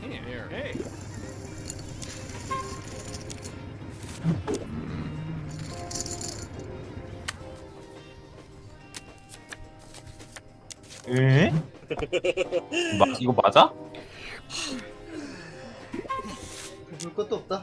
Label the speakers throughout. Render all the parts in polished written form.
Speaker 1: 에? 이거 맞아?
Speaker 2: 볼 것도 없다.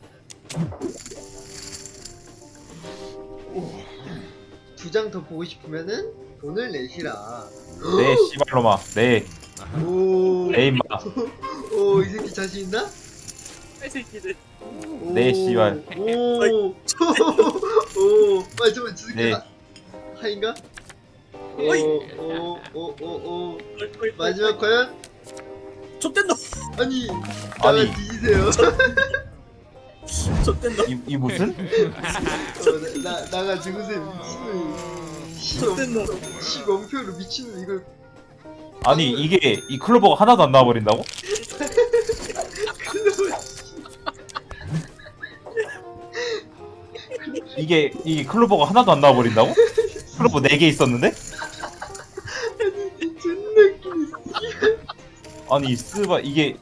Speaker 2: 두 장 더 보고 싶으면은 돈을 내시라.
Speaker 1: 네 씨발로마 네
Speaker 2: 오,
Speaker 1: 네 임마
Speaker 2: 오, 이 새끼 자신 있나?
Speaker 3: 이 새끼들.
Speaker 2: 오,
Speaker 1: 네, 씨발.
Speaker 2: 오, 오, 잠깐만, 저 새끼
Speaker 1: 네.
Speaker 2: 하인가?
Speaker 3: 어이.
Speaker 2: 오, 마지막 과연?
Speaker 3: 좆된 놈.
Speaker 2: 아니,
Speaker 1: 아니.
Speaker 2: 나가 뒤지세요.
Speaker 3: 좆된 놈.
Speaker 1: 이 무슨?
Speaker 2: 나가 죽으세요.
Speaker 3: 좆된 놈.
Speaker 2: 시공표로 미친놈 이걸.
Speaker 1: 아니 이게 이 클로버가 하나도 안 나와버린다고? 이게 클로버가 하나도 안 나와버린다고? 클로버 4개 있었는데?
Speaker 2: 존나 웃기네.
Speaker 1: 아니 스바 이게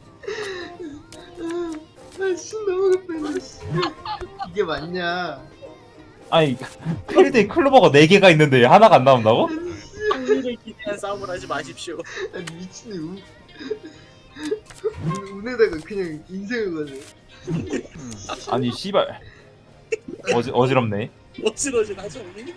Speaker 2: 아씨 넘어갔다. 씨. 이게 맞냐?
Speaker 1: 아니 필드에 클로버가 4개가 있는데 하나가 안 나온다고?
Speaker 3: 승리를 기대한 싸움을 하지 마십시오.
Speaker 2: 아니 미친놈. 운에다가 그냥 인생을 거네.
Speaker 1: 아니 씨발 어지럽네.
Speaker 3: 어지러진 하죠 우리.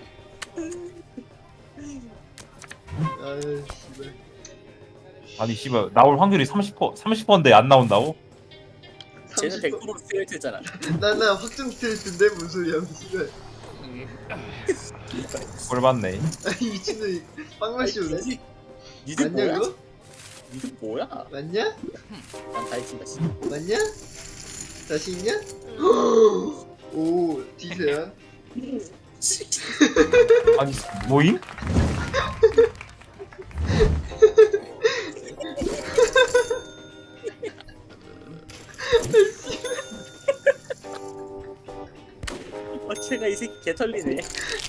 Speaker 2: 아 씨발.
Speaker 1: 아니 씨발 나올 확률이 30%인데 안 나온다고?
Speaker 3: 쟤는 100% 스트레이트잖아.
Speaker 2: 나 확정 스트레이트인데 무슨 소리야 씨발.
Speaker 1: 꼴 봤네.
Speaker 2: 아니 미친놈이 빵맛이 오네.
Speaker 3: 니들
Speaker 2: 맞냐
Speaker 3: 뭐야?
Speaker 2: 그거?
Speaker 3: 니들 뭐야?
Speaker 2: 맞냐?
Speaker 3: 난 다이친다 씨.
Speaker 2: 맞냐? 자신 있냐? 오 뒤세요.
Speaker 1: 아니 뭐임?
Speaker 3: 쟤가 이 새끼 개털리네.